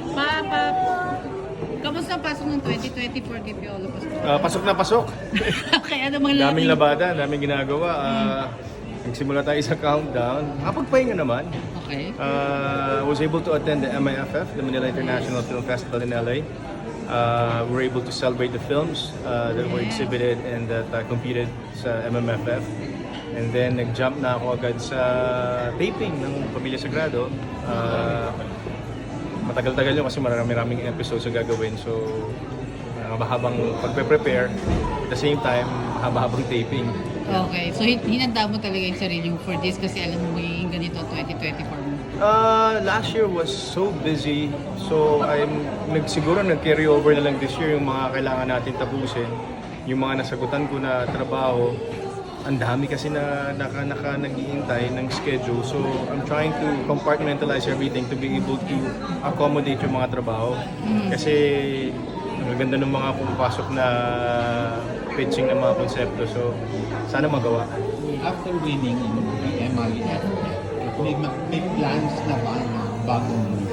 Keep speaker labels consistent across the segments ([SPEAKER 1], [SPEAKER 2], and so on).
[SPEAKER 1] Papa, kamusta ang pasok ng 2024 kay Piolo Pascual?
[SPEAKER 2] Pasok na pasok.
[SPEAKER 1] Kaya namang
[SPEAKER 2] Daming labada, daming ginagawa. Nagsimula tayo sa countdown. Pagpahinga naman.
[SPEAKER 1] Okay.
[SPEAKER 2] Was able to attend the MIFF, the Manila International Film Festival in LA. We were able to celebrate the films that were exhibited and that competed sa MMFF. And then nag-jump na ako agad sa taping ng Pamilya Sagrado. Matagal-tagal yun kasi maraming episodes na gagawin. So, mahabang pagpe-prepare. At the same time, mahabang taping.
[SPEAKER 1] Okay. So, hinanda mo talaga yung sarili mo for this kasi alam mo yung ganito 2024 mo.
[SPEAKER 2] Last year was so busy. So, siguro nag-carry over na lang this year yung mga kailangan natin tapusin. Yung mga nasagutan ko na trabaho. Ang dami kasi na nag-iintay ng schedule. So, I'm trying to compartmentalize everything to be able to accommodate yung mga trabaho. Kasi, ang ganda ng mga pumapasok na pitching ng mga konsepto. So, sana magawa.
[SPEAKER 3] After winning in the MIF, may plans na ba na bagong movie?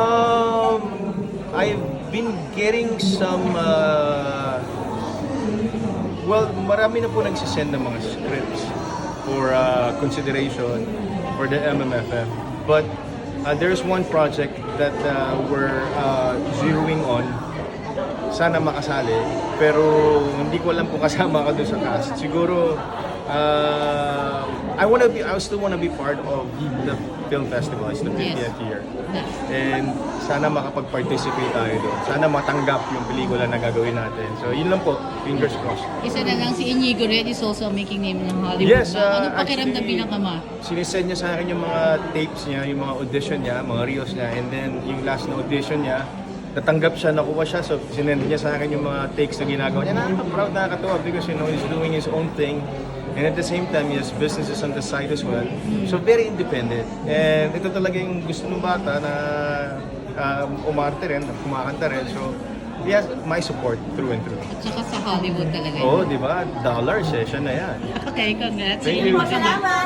[SPEAKER 2] I've been getting some well, marami na po nagsisend ng mga scripts for consideration for the MMFF. But there's one project that we're zeroing on. Sana makasali, pero hindi ko alam kung kasama ka doon sa cast. Siguro, I still wanna be part of the film festival. It's the 50th year. And sana makapag-participate tayo doon. Sana matanggap yung pelikula na gagawin natin. So yun lang po, fingers crossed.
[SPEAKER 1] Isa na lang si Inigo Red is also making name ng Hollywood.
[SPEAKER 2] Yes,
[SPEAKER 1] Ano pakiramdam
[SPEAKER 2] actually,
[SPEAKER 1] bilang ama?
[SPEAKER 2] Sinisend niya sa akin yung mga tapes niya, yung mga audition niya, mga reels niya. And then yung last na audition niya, natanggap siya, nakuha siya. So sinend niya sa akin yung mga takes na ginagawa niya. Nakaka-proud, nakakatuwa because he's doing his own thing. And at the same time, he has businesses on the side as well. So very independent. And ito talaga yung gusto ng bata na umarte rin, kumakanta rin. So he has my support through and through.
[SPEAKER 1] At saka sa Hollywood talaga.
[SPEAKER 2] Oo, di ba? Dollars, siya na yan.
[SPEAKER 1] Okay, congrats.
[SPEAKER 2] Thank you.
[SPEAKER 1] Salamat.